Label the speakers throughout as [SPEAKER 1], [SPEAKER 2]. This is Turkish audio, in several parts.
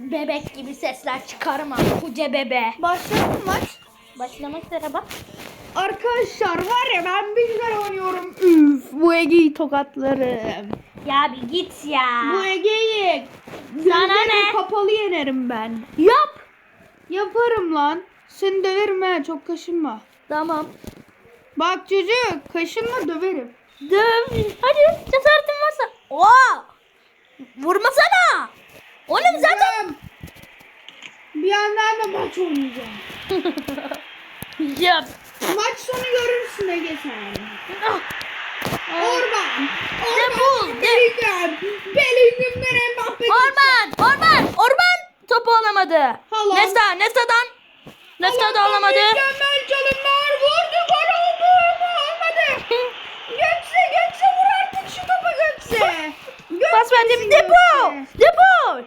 [SPEAKER 1] bebek gibi sesler çıkarma. Koca bebe.
[SPEAKER 2] Başladı mı maç?
[SPEAKER 1] Başlamak üzere bak.
[SPEAKER 2] Arkadaşlar var ya ben bir güzel oynuyorum. Üf, bu Ege'yi tokatlarım.
[SPEAKER 1] Ya bir git ya.
[SPEAKER 2] Bu Ege'yi
[SPEAKER 1] Sana
[SPEAKER 2] gözlerini
[SPEAKER 1] ne?
[SPEAKER 2] kapalı yenerim ben.
[SPEAKER 1] Yap.
[SPEAKER 2] Yaparım lan. Seni döverim ha, çok kaşınma.
[SPEAKER 1] Tamam.
[SPEAKER 2] Bak çocuk, kaşınma döverim.
[SPEAKER 1] Döv. Hadi cesaretin varsa. Oha. Vurmasana. Oğlum zaten.
[SPEAKER 2] Bir yandan da maç oynayacağım.
[SPEAKER 1] Yap.
[SPEAKER 2] Maç sonu görürsün Ege sen.
[SPEAKER 1] Ah.
[SPEAKER 2] Orban.
[SPEAKER 1] Defol,
[SPEAKER 2] Orban. Bellingham. Bellingham'dan Mbappe.
[SPEAKER 1] Orban topu alamadı.
[SPEAKER 2] Haaland.
[SPEAKER 1] Nesta da alamadı.
[SPEAKER 2] Mükemmel çalımlar vurdu, gol oldu ama olmadı. Gökse vur artık şu topu Gökse.
[SPEAKER 1] Pas verdim. Depo.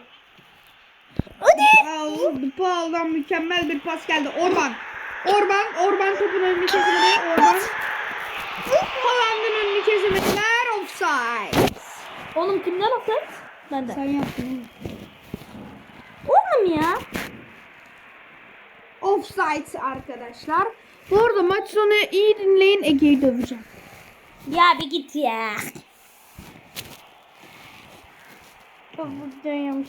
[SPEAKER 1] Hadi.
[SPEAKER 2] Paul'dan mükemmel bir pas geldi. Orban topun önünü kesemedi. Haaland'ın önünü kesemediler. Offside.
[SPEAKER 1] Oğlum kimden offside? Benden.
[SPEAKER 2] Sen yaptın.
[SPEAKER 1] Oğlum ya.
[SPEAKER 2] Offside arkadaşlar. Bu arada maç sonu iyi dinleyin, Ege'yi döveceğim.
[SPEAKER 1] Ya bir git ya. Buradayım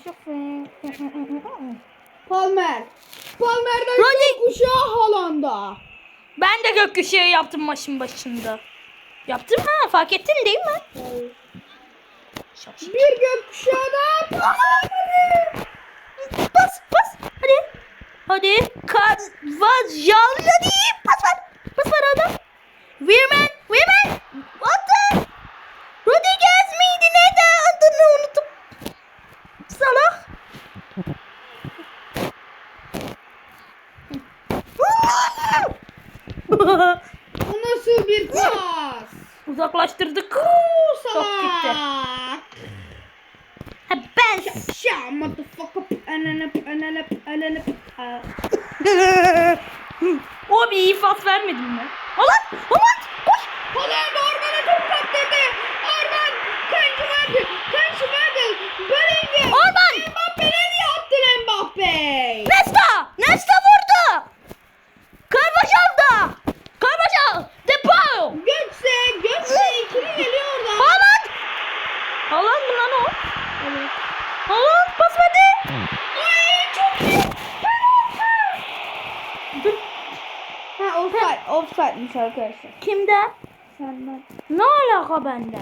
[SPEAKER 2] Palmer'den
[SPEAKER 1] Rodri.
[SPEAKER 2] kuşağı Haaland'a.
[SPEAKER 1] Ben de gökkuşağı yaptım maçın başında. Yaptım ha, fark ettin değil mi?
[SPEAKER 2] Bir gökkuşağı da
[SPEAKER 1] Pas. Hadi. Carvajal hadi. Pas ver adam. Weirman. Attı. Rodriguez miydi? Neydi? Adını unuttum. Salah.
[SPEAKER 2] Bu nasıl bir pas?
[SPEAKER 1] Uzaklaştırdık. Çok gitti.
[SPEAKER 2] Salak.
[SPEAKER 1] Ha, ben.
[SPEAKER 2] Şa motherfucker. Ananı.
[SPEAKER 1] O bir iyi pas vermedin mi? Haaland. Koş.
[SPEAKER 2] Haaland Orban'a top kaptırdı. Orban. Kanşı verdi. Bellingham.
[SPEAKER 1] Orban.
[SPEAKER 2] Mbappe nereye attın Mbappe?
[SPEAKER 1] Nesta vurdu. Carvajal. Depo.
[SPEAKER 2] Gökse ikili geliyor oradan.
[SPEAKER 1] Haaland mı lan o? Evet. Haaland pas verdi.
[SPEAKER 2] Ay çok iyi. Ha offside'miş arkadaşlar.
[SPEAKER 1] Kimde?
[SPEAKER 2] Senden.
[SPEAKER 1] Ne alaka benden?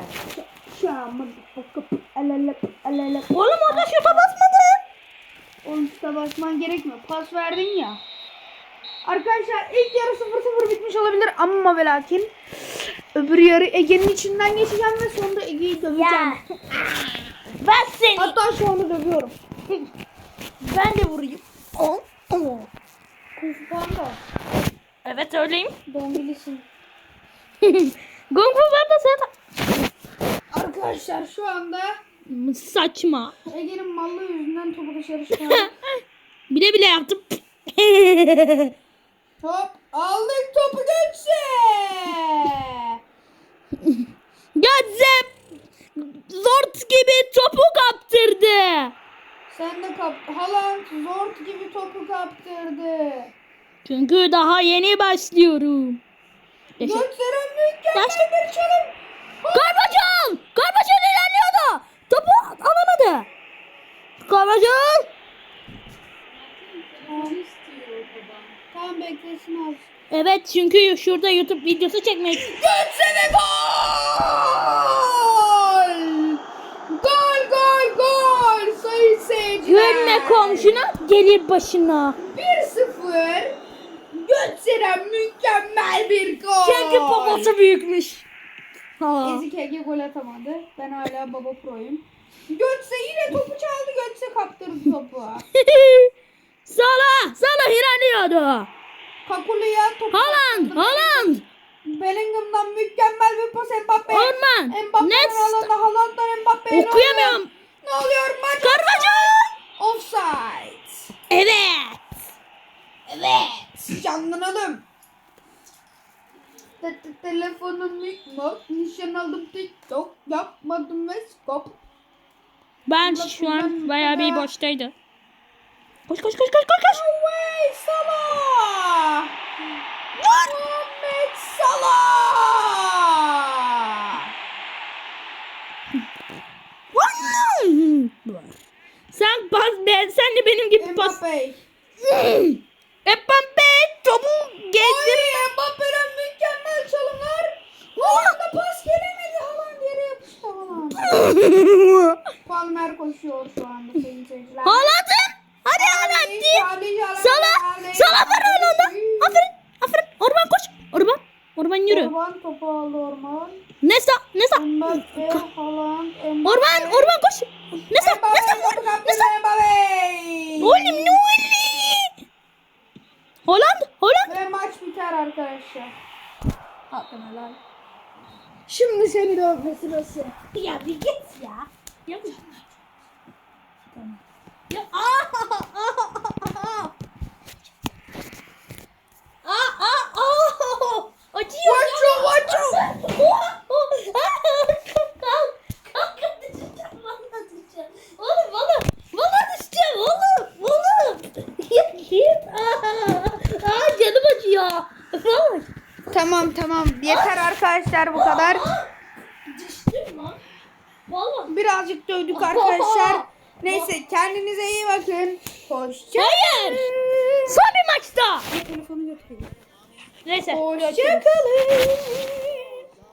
[SPEAKER 1] Oğlum orada şuta basmadı.
[SPEAKER 2] Oğlum şuta basman gerekmiyor. Pas verdin ya. Arkadaşlar ilk yarı 0-0 bitmiş olabilir ama ve lakin öbür yarı Ege'nin içinden geçeceğim ve sonunda Ege'yi döveceğim.
[SPEAKER 1] Ya. Ben seni.
[SPEAKER 2] Hatta şu anda dövüyorum.
[SPEAKER 1] Ben de vurayım.
[SPEAKER 2] Kung Fu Panda.
[SPEAKER 1] Evet öyleyim.
[SPEAKER 2] Dongilisin.
[SPEAKER 1] Kung Fu Panda sen.
[SPEAKER 2] Arkadaşlar şu anda
[SPEAKER 1] Saçma.
[SPEAKER 2] Ege'nin mallı yüzünden topu dışarı çıkardı.
[SPEAKER 1] Bile yaptım.
[SPEAKER 2] Top aldık topu Gökse.
[SPEAKER 1] Gözüm zort gibi topu kaptırdı.
[SPEAKER 2] Sen de Haaland zort gibi topu kaptırdı.
[SPEAKER 1] Çünkü daha yeni başlıyorum.
[SPEAKER 2] Göksel'in mükemmel
[SPEAKER 1] Yaşlı-
[SPEAKER 2] bir çalım.
[SPEAKER 1] Carvajal ilerliyordu. Topu alamadı. Carvajal.
[SPEAKER 2] Tamam beklesin az.
[SPEAKER 1] Evet çünkü şurada YouTube videosu çekmek.
[SPEAKER 2] Göksel'e gol! Gol! Sayın seyirciler.
[SPEAKER 1] Gülme komşuna gelir başına.
[SPEAKER 2] 1-0. Göksel'e mükemmel bir gol.
[SPEAKER 1] Çünkü babası büyükmüş. Ha.
[SPEAKER 2] Ezik Ege gol atamadı. Ben hala baba proyum. Gökse yine topu çaldı. Gökse kaptırdı topu.
[SPEAKER 1] Salah ilerliyordu.
[SPEAKER 2] Kakulu'ya topu
[SPEAKER 1] Haaland.
[SPEAKER 2] Bellingham'dan mükemmel bir pas Mbappe.
[SPEAKER 1] Orman.
[SPEAKER 2] Mbappe'nin
[SPEAKER 1] Nesta.
[SPEAKER 2] alanda Haaland'dan Mbappe'ye.
[SPEAKER 1] Okuyamıyorum.
[SPEAKER 2] Ne oluyor maç?
[SPEAKER 1] Carvajal.
[SPEAKER 2] Offside.
[SPEAKER 1] Evet.
[SPEAKER 2] Canlanalım. Telefonum mikmok. Nişan aldım TikTok. Yapmadım ve skop.
[SPEAKER 1] Ben şu an bayağı bir boştaydı. Koş koş koş koş koş koş.
[SPEAKER 2] Away Salah. Muhammed Salah.
[SPEAKER 1] Sen sen de benim gibi pas.
[SPEAKER 2] Mbappe.
[SPEAKER 1] Mbappe topu gezdir.
[SPEAKER 2] Ay Mbappe'den mükemmel çalımlar. Haaland'a pas gelemedi. Haaland yere yapıştı Haaland. Palmer koşuyor şu anda sayın seyirciler.
[SPEAKER 1] Haaland'ım. Hadi Haaland diye. Salah var Haaland'a. Aferin. Aferin. Orban koş. Orban yürü.
[SPEAKER 2] Orban topu aldı Orban.
[SPEAKER 1] Nesa.
[SPEAKER 2] Mbappe, Haaland, Mbappe.
[SPEAKER 1] Orban koş. Nesa vur. Nesa.
[SPEAKER 2] Mbappe.
[SPEAKER 1] Oğlum ne oldu? Haaland.
[SPEAKER 2] Ve maç biter arkadaşlar.
[SPEAKER 1] Hakkına lan.
[SPEAKER 2] Şimdi seni dövme sırası.
[SPEAKER 1] Ya bir git ya. Ya bir tamam. Ya acıyor.
[SPEAKER 2] Vaço.
[SPEAKER 1] Kalk düşeceğim. Vallahi düşeceğim oğlum. Ya git. Canım acıyor. Vallahi.
[SPEAKER 2] Tamam. Yeter arkadaşlar bu kadar.
[SPEAKER 1] Düştüm lan. Vallahi.
[SPEAKER 2] Birazcık dövdük arkadaşlar. Neyse kendinize iyi bakın. Hoşça
[SPEAKER 1] Hayır. Son bir maçta.
[SPEAKER 2] Telefonu götüreyim.
[SPEAKER 1] Neyse.
[SPEAKER 2] Hoşça kalın.